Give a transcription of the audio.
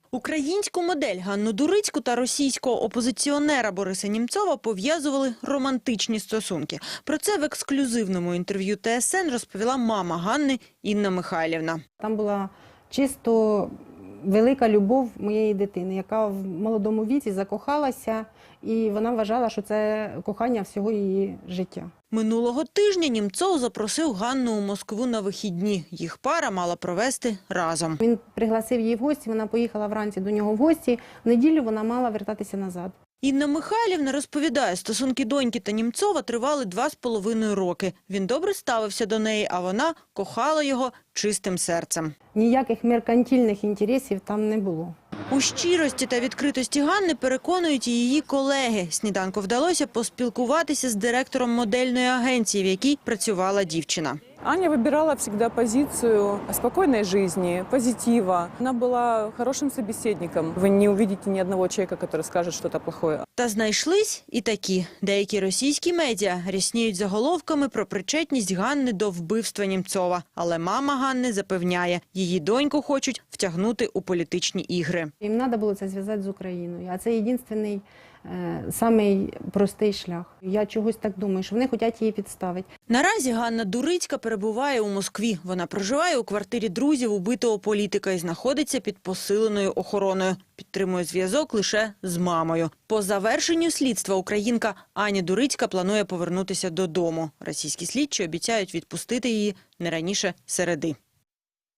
Українську модель Ганну Дурицьку та російського опозиціонера Бориса Німцова пов'язували романтичні стосунки. Про це в ексклюзивному інтерв'ю ТСН розповіла мама Ганни Інна Михайлівна. Там була чисто велика любов моєї дитини, яка в молодому віці закохалася, і вона вважала, що це кохання всього її життя. Минулого тижня Німцов запросив Ганну у Москву на вихідні. Їх пара мала провести разом. Він пригласив її в гості, вона поїхала вранці до нього в гості, в неділю вона мала вертатися назад. Інна Михайлівна розповідає, стосунки доньки та Німцова тривали 2,5 роки. Він добре ставився до неї, а вона кохала його чистим серцем. Ніяких меркантильних інтересів там не було. У щирості та відкритості Ганни переконують і її колеги. Сніданку вдалося поспілкуватися з директором модельної агенції, в якій працювала дівчина. Аня выбирала всегда позицию спокойной жизни, позитива. Она была хорошим собеседником. Вы не увидите ни одного человека, который скажет что-то плохое. Та знайшлись і такі. Деякі російські медіа рясніють заголовками про причетність Ганни до вбивства Німцова. Але мама Ганни запевняє, її доньку хочуть втягнути у політичні ігри. Їм треба було це зв'язати з Україною, а це єдиний, самий простий шлях. Я чогось так думаю, що вони хочуть її підставити. Наразі Ганна Дурицька перебуває у Москві. Вона проживає у квартирі друзів убитого політика і знаходиться під посиленою охороною. Підтримує зв'язок лише з мамою. По завершенню слідства українка Аня Дурицька планує повернутися додому. Російські слідчі обіцяють відпустити її не раніше середи.